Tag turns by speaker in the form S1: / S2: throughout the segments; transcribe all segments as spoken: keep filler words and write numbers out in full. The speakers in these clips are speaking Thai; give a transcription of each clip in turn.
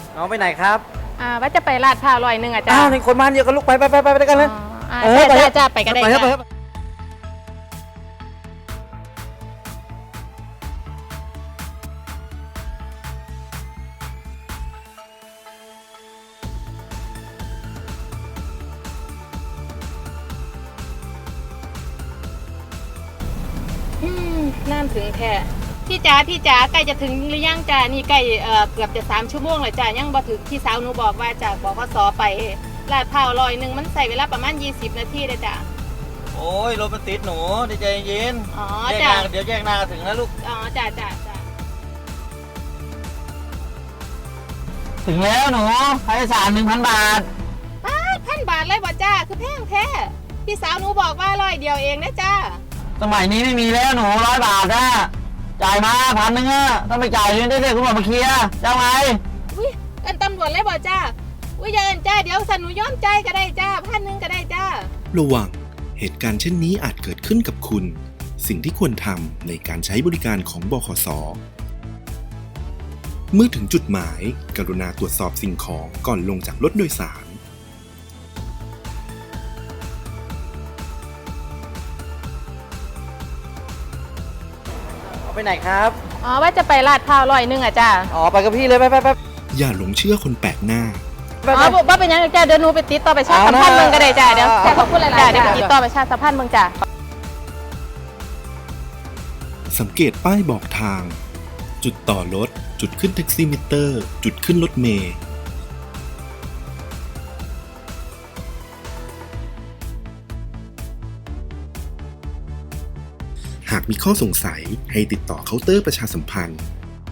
S1: น้องไปไหนครับ
S2: อ่าว่าจะไปลาดพร้าวร้อยหนึ่งอ่ะจ้า
S1: อ้าวนี่คนมาเยอะกันลูกไปไปไปไปไปกันเลย
S2: อ่าจ้าจ้าจ้าไปก็ได้จ้าน้ำถึงแค่พี่จ๋าพี่จ๋าใกล้จะถึงหรือยังจ้านี่ใกล้เอ่อเกือบจะสามชั่วโมงเลยจ้ายังบ่ถึงพี่สาวหนูบอกว่าจากบขสไปลาดพร้าวร้อยหนึ่งมันใส่เวลาประมาณยี่สิบนาทีเลยจ้า
S1: โอ้ยรถมันติดหนูดีใจเย็น
S2: อ๋อ
S1: แยก
S2: จ้า
S1: นาเดี๋ยวแยกนาถึงแล้วลูก
S2: อ๋อจ้าจ้าจ้า
S1: ถึงแล้วหนูค่าโดยสารหนึ่งพันบาท
S2: ป้าพันบาทเลยบ่จ้าคือแพงแท้พี่สาวหนูบอกว่าร้อยเดียวเองนะจ้า
S1: สมัยนี้ไม่มีแล้วหนูร้อยบาทนะจ่ายมาพันหนึ่งอะต้องไปจ่ายเงินได้เลยคุณหมอมาเคลียร์จะไง
S2: อุ้ยเอินตำรวจเลยบ่จ้าอุ้ยอย่าเอินจ้าเดี๋ยวสันหนูย้อมใจก็ได้จ้าพันหนึ่งก็ได้จ้า
S3: ระวังเหตุการณ์เช่นนี้อาจเกิดขึ้นกับคุณสิ่งที่ควรทำในการใช้บริการของบขส.เมื่อถึงจุดหมายกรุณาตรวจสอบสิ่งของก่อนลงจากรถโดยสาร
S1: ไปไหนครับ
S2: อ๋อว่าจะไปลาดพร้าวร้อยหนึ่งอ่ะจ้า
S1: อ๋อไปกับพี่เลยไปไปไป
S3: อย่าหลงเชื่อคนแปลกหน้า
S2: อ๋อว่าเป็นยังจ้าเดี๋ยวหนูไปติดต่อประชาสัมพันธ์เมืองก็ได้จ้าเดี๋ยวจ้าขอบคุณหลายๆจ้าเดี๋ยวไปติดต่อประชาสัมพันธ์เมืองจ้า
S3: สังเกตป้ายบอกทางจุดต่อรถจุดขึ้นแท็กซี่มิเตอร์จุดขึ้นรถเมล์หากมีข้อสงสัยให้ติดต่อเคาน์เตอร์ประชาสัมพันธ์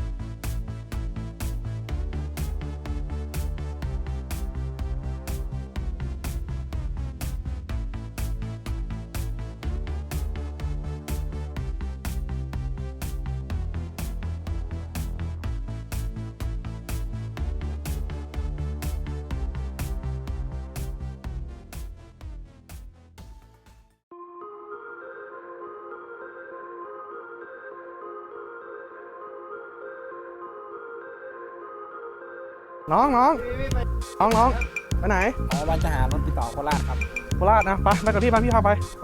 S4: น้องน้องน้องน้องไปไหน
S1: อ๋อวันจะหารถติดต่อโคราชครับ
S4: โคราชนะไปไปกับพี่ไปพี่พาไปไป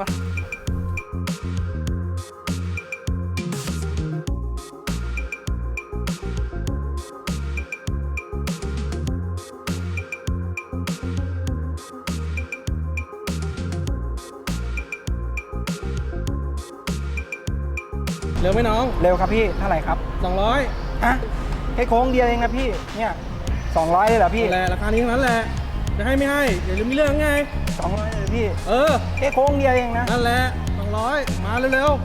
S4: เร็วไหมน้อง
S1: เร็วครับพี่เท่าไหร่ครับ
S4: สองร้อย
S1: ฮะแค่โค้งเดียวเองนะพี่เนี่ยสองร้อยเลยเหรอพี่
S4: แหละราคานี้ทั้งนั้นแหละจะให้ไม่ให้เดี๋ยวจะมีเรื่องไง
S1: สองร้อยเลยพี่
S4: เออ
S1: แค่โค้งเดียวเองนะ
S4: นั่นแหละสองร้อยมาเร็ว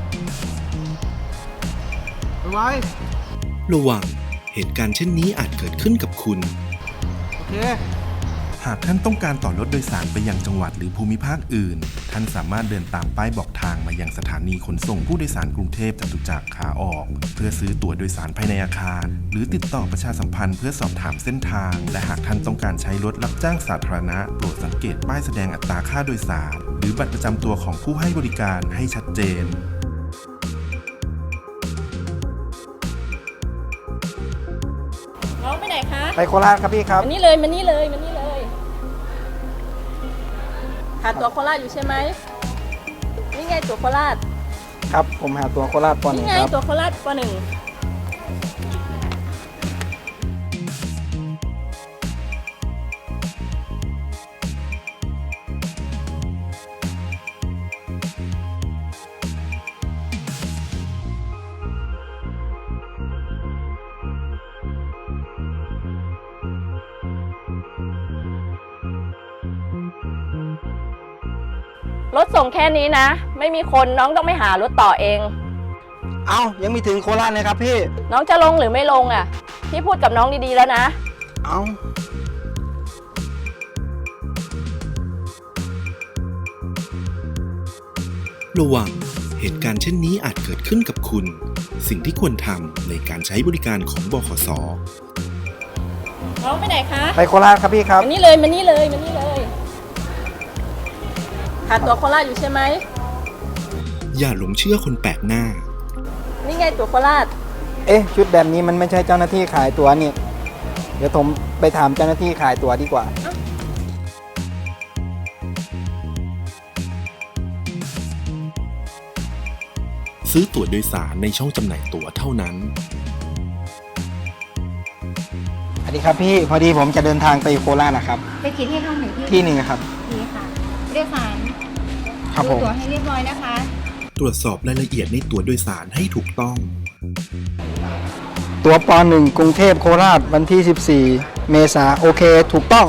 S4: ๆไปไว้
S3: ระวังเหตุการณ์เช่นนี้อาจเกิดขึ้นกับคุณ
S4: โอเค
S3: หากท่านต้องการต่อรถโดยสารไปยังจังหวัดหรือภูมิภาคอื่นท่านสามารถเดินตามป้ายบอกทางมายังสถานีขนส่งผู้โดยสารกรุงเทพจตุจักรขาออกเพื่อซื้อตั๋วโดยสารภายในอาคารหรือติดต่อประชาสัมพันธ์เพื่อสอบถามเส้นทางและหากท่านต้องการใช้รถรับจ้างสาธารณะโปรดสังเกตป้ายแสดงอัตราค่าโดยสารหรือบัตรประจำตัวของผู้ให้บริการให้ชัดเจน
S2: น้องไปไหนคะ
S1: ไปโคราชครับพี่ครับ
S2: มานี่เลยมานี่เลยมานี่เลยหาตั๋วโคราชอยู่ใช่ไหมนี่ไงตั๋วโคราช
S1: ครับผมหาตั๋วโคราชป .หนึ่ง
S2: นี่ไงตั๋วโคราชป .หนึ่งรถส่งแค่นี้นะไม่มีคนน้องต้องไม่หารถต่อเอง
S1: เอ้ายังมีถึงโคราชเลยครับพี่
S2: น้องจะลงหรือไม่ลงอ่ะพี่พูดกับน้องดีๆแล้วนะ
S1: เอ้า
S3: ระวังเหตุการณ์เช่นนี้อาจเกิดขึ้นกับคุณสิ่งที่ควรทำในการใช้บริการของบขส.
S2: น้องไปไหนคะ
S1: ไปโคราชครับพี่ครับ
S2: มานี่เลยมานี่เลยมานี่เลยหาตั๋วโคราชอยู่ใช่ไหม
S3: อย่าหลงเชื่อคนแปลกหน้า
S2: นี่ไงตั๋วโคราช
S1: เอ๊ะชุดแบบนี้มันไม่ใช่เจ้าหน้าที่ขายตั๋วนี่
S4: เดี๋ยวผมไปถามเจ้าหน้าที่ขายตั๋วดีกว่า
S3: ซื้อตั๋วโดยสารในช่องจำหน่ายตั๋วเท่านั้น
S4: สวัสดีครับพี่ พอดีผมจะเดินทางไปโคราชนะครับ
S5: ไปกี่ที่ห้องหนึ่งที่
S4: ที่หนึ่งครับ
S5: ดีค่ะเรียกสาร
S4: ครับ
S5: ดู
S4: ผม
S5: ตั๋วให้เรียบร้อยนะคะ
S3: ตรวจสอบรายละเอียดในตั๋วโดยสารให้ถูกต้อง
S4: ตั๋วปหนึ่งกรุงเทพโคราชวันที่ สิบสี่ เมษาโอเค ถูกต้อง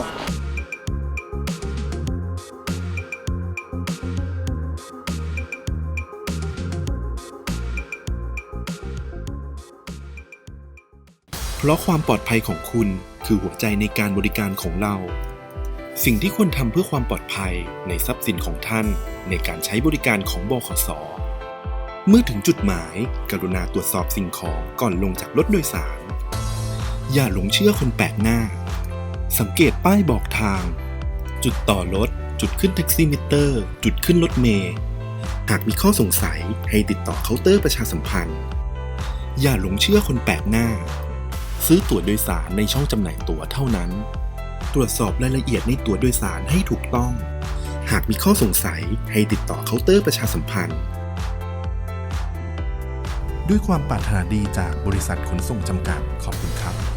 S3: เพราะความปลอดภัยของคุณคือหัวใจในการบริการของเรา สิ่งที่ควรทำเพื่อความปลอดภัยในทรัพย์สินของท่านในการใช้บริการของบขส. เมื่อถึงจุดหมายกรุณาตรวจสอบสิ่งของก่อนลงจากรถโดยสาร อย่าหลงเชื่อคนแปลกหน้า สังเกตป้ายบอกทาง จุดต่อรถ จุดขึ้นแท็กซี่มิเตอร์ จุดขึ้นรถเมล์ หากมีข้อสงสัยให้ติดต่อเคาน์เตอร์ประชาสัมพันธ์ อย่าหลงเชื่อคนแปลกหน้า ซื้อตั๋วโดยสารในช่องจำหน่ายตั๋วเท่านั้น ตรวจสอบรายละเอียดในตั๋วโดยสารให้ถูกต้อง หากมีข้อสงสัยให้ติดต่อเคาน์เตอร์ประชาสัมพันธ์ ด้วยความปรารถนาดีจากบริษัทขนส่งจำกัด ขอบคุณครับ